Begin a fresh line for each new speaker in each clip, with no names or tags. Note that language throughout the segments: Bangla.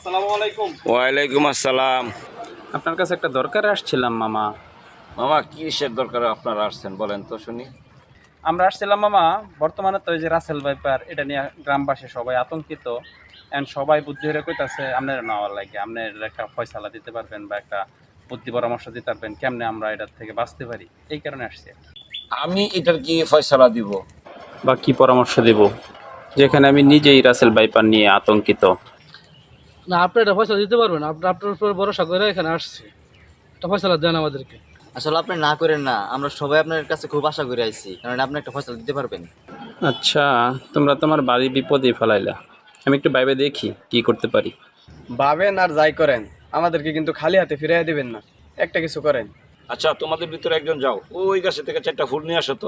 আসসালামু আলাইকুম।
ওয়ালাইকুম আসসালাম।
আপনার কাছে একটা দরকারে আসছিলাম মামা।
মামা কিসের দরকারে আপনারা আসছেন বলেন তো শুনি।
আমরা আসছিলাম মামা, বর্তমানে তো এই যে রাসেল ভাইপার এটা নিয়ে গ্রামবাসী সবাই আতঙ্কিত। এন্ড সবাই বুদ্ধি হয়ে কইতাছে আপনার নেওয়ার লাগে, আপনার একটা ফয়সালা দিতে পারবেন বা একটা বুদ্ধি পরামর্শ দিতে পারবেন কেমনে আমরা এটার থেকে বাঁচতে পারি, এই কারণে আসছি।
আমি এটার কি ফয়সালা দিব?
বা কি পরামর্শ দেব, যেখানে আমি নিজেই রাসেল ভাইপার নিয়ে আতঙ্কিত।
না, আপনি এটা ফয়সালা দিতে পারবেন। আপনার উপর ভরসা করে এখানে আসছি, এটা ফয়সালা দেন আমাদেরকে।
আসলে আপনি না করেন না, আমরা সবাই আপনার কাছে খুব আশা করে আইছি, কারণ আপনি একটা ফয়সালা দিতে পারবেন।
আচ্ছা, তোমরা তোমার বাড়ি বিপদে ফেলাইলা, আমি একটু ভাইবে দেখি কি করতে পারি।
ভাবেন আর যাই করেন, আমাদেরকে কিন্তু খালি হাতে ফিরাইয়া দিবেন না, একটা কিছু করেন।
আচ্ছা তোমাদের ভিতরে একজন যাও, ওই গাছে থেকে 4টা ফুল নিয়ে আসো তো।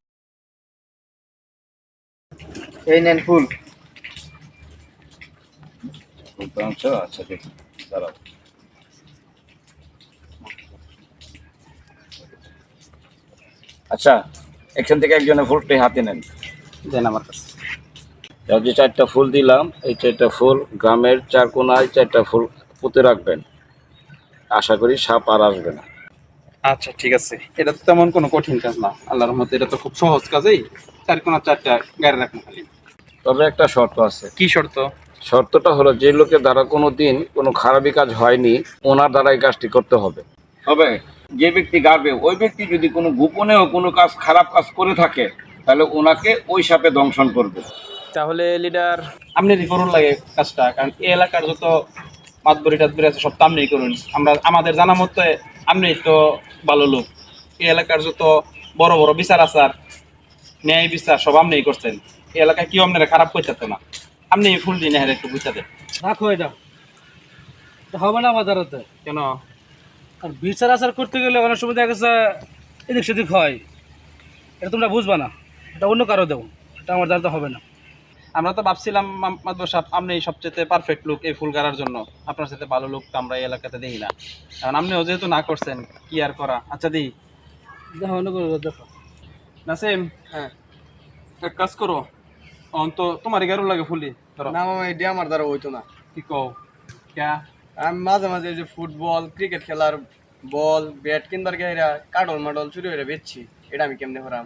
এই নেন ফুল।
আচ্ছা দেখি, দাঁড়াও। আচ্ছা, এখান থেকে একজনের ফুলটি হাতে নেন।
দেন আমার কাছে।
যে 4টা ফুল দিলাম, এই 4টা ফুল গ্রামের 4 কোনায় 4টা ফুল পুঁতে রাখবেন। আশা করি সাপ আর আসবে না।
আচ্ছা ঠিক আছে, এটা তো তেমন কোনো কঠিন কাজ না, আল্লাহর রহমতে এটা তো খুব সহজ কাজই। 4 কোণা 4টা গাড়ি রাখুন খালি।
তবে একটা শর্ত আছে।
কি শর্ত?
শর্তটা হলো, যে লোকের দ্বারা কোনো দিন কোনো খারাপই কাজ হয়নি, ওনার দ্বারা এই কাজটি করতে হবে। তবে যে ব্যক্তি গাড়বে, ওই ব্যক্তি যদি কোনো গোপনেও কোনো কাজ খারাপ কাজ করে থাকে, তাহলে ওনাকে ওই সাপে দংশন করবে।
তাহলে লিডার আপনি করুন লাগে কাজটা, কারণ এই এলাকার যত মাতবরি টাতবরি আছে সব তো আপনিই করুন। আমাদের জানা মতে আপনি তো ভালো লোক, এই এলাকার যত বড় বড় বিচার আচার ন্যায় বিচার সব আপনিই করছেন। এই এলাকায় কেউ আপনারা খারাপ করতে না, আপনি ফুল দিন একটু বুঝতে দেন।
রাখো এটা, এটা হবে না আমাদের হাতে।
কেন?
আর বিচার আচার করতে গেলে অনেক সময় দেখা গেছে এদিক সেদিক হয়, এটা তোমরা বুঝবা না, এটা অন্য কারো দেবো, এটা আমার দ্বারা তো হবে না।
আমরা তো ভাবছিলাম মাতবর সাহেব আপনি সবচেয়ে পারফেক্ট লোক এই ফুল গাড়ার জন্য, আপনার সাথে ভালো লোক তো আমরা এই এলাকাতে দেখি না, কারণ আপনিও যেহেতু না করছেন কি আর করা। আচ্ছা দিই
দেখো অন্য করে দেখো।
নাসিম,
হ্যাঁ,
এক কাজ করো, তো তোমার গাড়ু লাগে ফুলি ধরো।
না মামা, এটি আমার দ্বারা হইতো না।
কি কও? ক্যা?
আমি মাঝে মাঝে এই যে ফুটবল ক্রিকেট খেলার বল ব্যাট কিনবার গাইরা কাটল মাডল চুরি করে বেচছি, এটা আমি কেমনে করাম?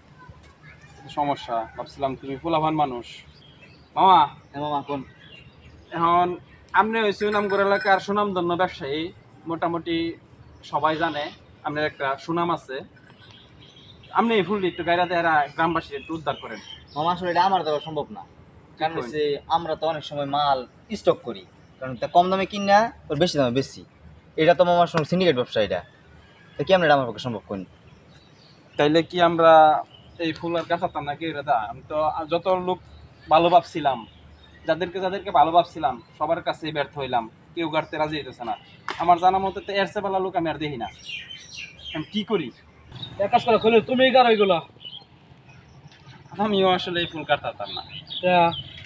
সমস্যা, ভাবছিলাম তুমি ফুলাভান মানুষ। মামা,
হ্যাঁ মামা কোন?
এখন আপনি হয়েছে সুনামগড় এলাকার সুনামধন্য ব্যবসায়ী, মোটামুটি সবাই জানে আপনার একটা সুনাম আছে। আপনি এই ফুলটি একটু গাইরা দেয়ারা গ্রামবাসী একটু উদ্ধার করেন।
মামা আসলে এটা আমার দেওয়া সম্ভব না, কারণ
করেন?
হচ্ছে আমরা তো অনেক সময় মাল স্টক করি, কারণ এটা কম দামে কিনা ওর বেশি দামে বেশি। এটা তো মামার সঙ্গে সিন্ডিকেট ব্যবসা, এটা তো কি আমরা এটা আমার পক্ষে সম্ভব করি।
তাইলে কি আমরা এই ফুল আর গাছাতাম নাকি দাদা? আমি তো যত লোক ভালো ভাবছিলাম, যাদেরকে যাদেরকে ভালো ভাবছিলাম সবার কাছেই ব্যর্থ হইলাম, কেউ গাড়তে রাজি হইতেছে না। আমার জানা মতে তো এর চেয়ে ভালো লোক আমি আর দেখি না, আমি কি করি?
এক কাজ করে খুলে তুমি গাড়ো এগুলো।
আমিও আসলে এই ফুল কাটতাম না,
তা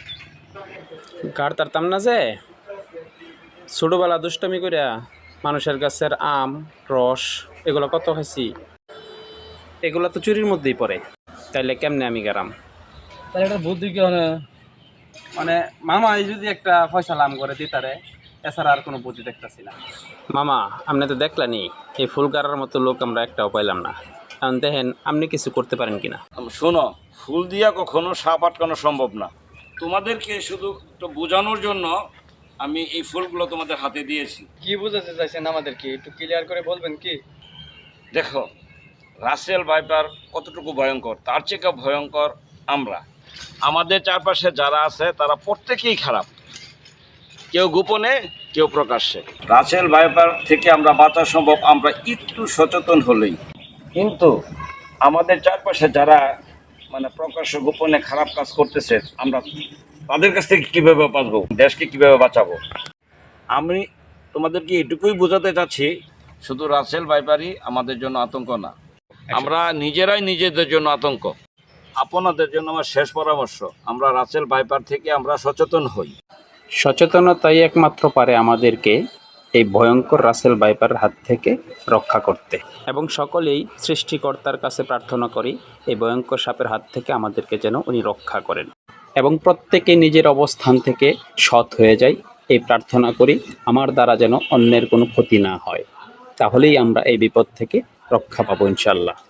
কাটতাম না যে ছোটবেলা দুষ্টামি করিয়া মানুষের গাছের আম রস এগুলো কত খাইছি, এগুলো তো চুরির মধ্যেই পড়ে। তাইলে কেমনে আমি গেলাম?
তাহলে একটা বুদ্ধি কি হয়?
মানে মামা এই যদি একটা ফয়সালা আম করে দিতারে, এছাড়া আর কোনো বুদ্ধি দেখতেছি না। মামা আপনি তো দেখলেনি এই ফুল গাড়ার মতো লোক আমরা একটাও পাইলাম না, এখন দেখেন আপনি কিছু করতে পারেন কিনা।
শোনো, ফুল দিয়া কখনো সাপ আটকানো সম্ভব না। তোমাদেরকে শুধু একটু বোঝানোর জন্য আমি এই ফুলগুলো তোমাদের হাতে দিয়েছি।
কি বুঝাতে চাইছেন আমাদেরকে, একটু ক্লিয়ার করে বলবেন কি?
দেখো, রাসেল ভাইপার কতটুকু ভয়ঙ্কর, তার চেয়ে ভয়ঙ্কর আমরা। আমাদের চারপাশে যারা আছে তারা প্রত্যেকেই খারাপ, কেউ গোপনে কেউ প্রকাশ্যে। রাসেল ভাইপার থেকে আমরা বাঁচা সম্ভব আমরা একটু সচেতন হলেই। কিন্তু আমাদের চারপাশে যারা মানে প্রকাশ্য গোপনে খারাপ কাজ করতেছে, আমরা তাদের কাছ থেকে কীভাবে বাঁচবো, দেশকে কিভাবে বাঁচাবো? আমি তোমাদেরকে এটুকুই বোঝাতে চাচ্ছি, শুধু রাসেল ভাইপারই আমাদের জন্য আতঙ্ক না, আমরা নিজেরাই নিজেদের জন্য আতঙ্ক। আপনাদের জন্য আমার শেষ পরামর্শ, আমরা রাসেল ভাইপার থেকে আমরা সচেতন হই।
সচেতনতাই একমাত্র পারে আমাদেরকে এই ভয়ঙ্কর রাসেল ভাইপারের হাত থেকে রক্ষা করতে, এবং সকলেই সৃষ্টিকর্তার কাছে প্রার্থনা করি এই ভয়ঙ্কর সাপের হাত থেকে আমাদেরকে যেন উনি রক্ষা করেন, এবং প্রত্যেকে নিজের অবস্থান থেকে সৎ হয়ে যায়,
এই প্রার্থনা করি আমার দ্বারা যেন অন্যের কোনো ক্ষতি না হয়, তাহলেই আমরা এই বিপদ থেকে রক্ষা পাবো ইনশাল্লাহ।